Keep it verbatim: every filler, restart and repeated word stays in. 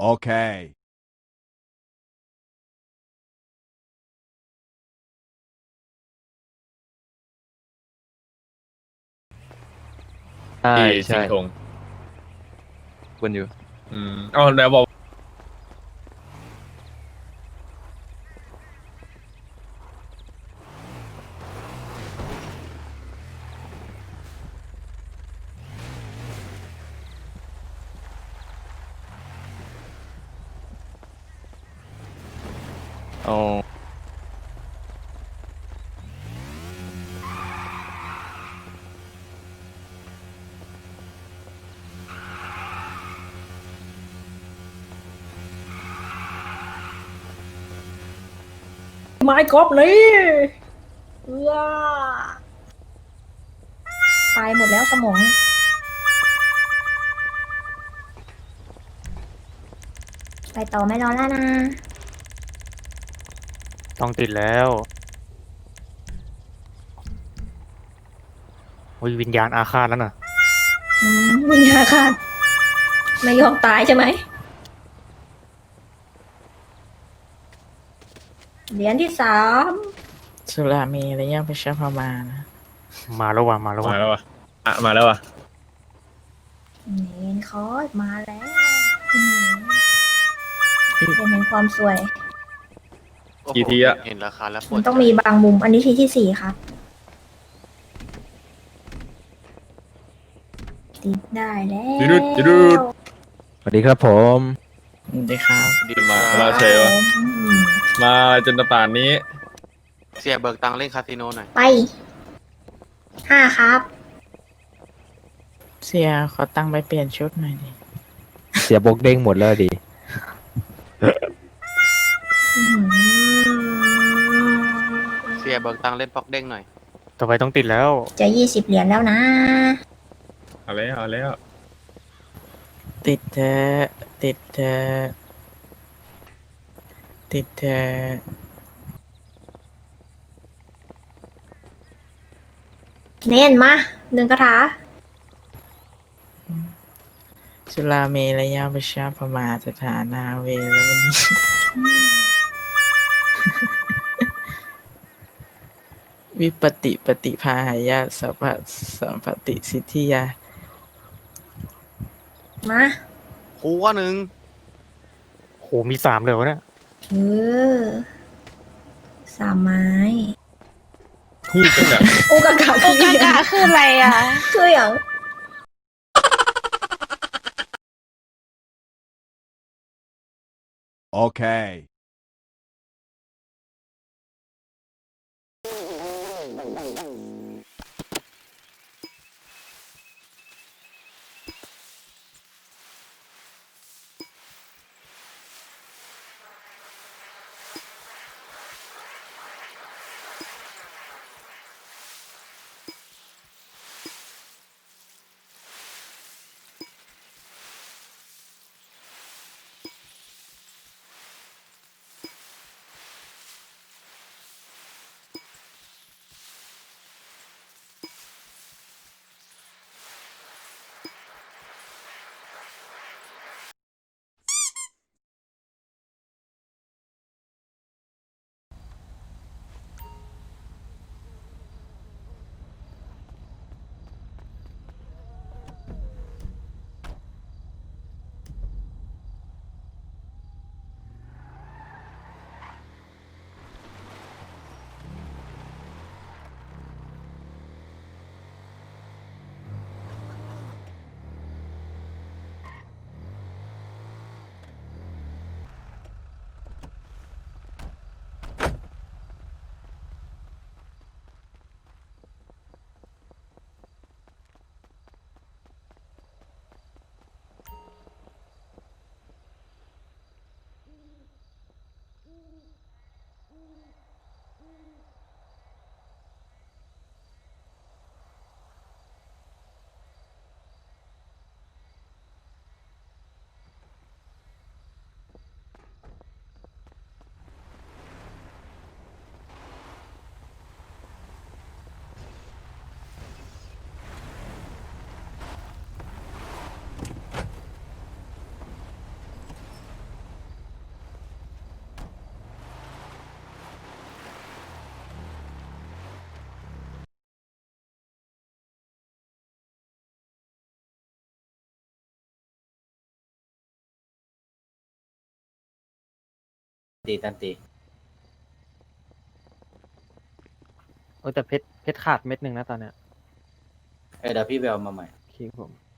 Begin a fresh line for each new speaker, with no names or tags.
Okay.
ใช่
ที่สิ
ใช่
งห์ธง
วนอยู่
อืมอ๋อเดี๋ยวบอก
อ๋อ
ไม้กอล์ฟนี่เออตายหมดแล้วสมองไปต่อไม่รอแล้วนะ
ต้องติดแล้วโอ้ยวิญญาณอาฆาตแล้วน่ะ
อืมวิญญาณขาดไม่ยอมตายใช่ไหมเหรียญที่สาม
สุรามีระยะประชาประมาณนะ
มาแล้วว่ะมาแล้ว
มา
ว่ะ
แล้ววะอ่ะมาแล้ววะ
เนนคอร์สมาแล้วอืมเป็นแห่งความสวย
กี่ทีอะ
เห็นราคาแล้วปว
มั
ด
นต้องมีบางมุม อันนี้ทีที่สี่ครับ ติดได้แล้ว
จิรุดจิรุด
สวัสดีครับผม
สวัสดีครับ
ดี
มา
ครับ
มาเฉยวะ
อืม
มาจนป่านนี้
เสียเบิกตังค์เล่นคาสิโนหน่อย
ไปห้าครับ
เสียขอตังค์ไปเปลี่ยนชุดหน่อยดิ
เสียบกเด้งหมดแล้วดิ
อื้อหือ
เสียเบิกตังค์เล่นป๊อกเด้งหน่อย
ต่อไปต้องติดแล้ว
จะยี่สิบเหรียญแล้วนะ
เอาแล้วเอาแล้ว
ติดเธอะติดเธอะติดเธอะ
เน้นมาหนึ่งคาถา
สุรามีระยะประชาประมาณสถานาเวแล้ววันนี้ วิปติปฏิภาหายาสัพพะสัมปติสิทธิยา
มา
หัวหนึ่ง
โหมีสามเลยวะเนี่ย
เออสามไม้
คู่กันแบบ
โอกากา
โอกากะคืออะไรอ่ะ
คืออย่าง
Okay.
ตีตันตี
โอ้แต่เพชรเพชรขาดเม็ดหนึ่งนะตอนเนี้ย
เออเดี๋ยวพี่ไปเอามาใหม่
โอเคผม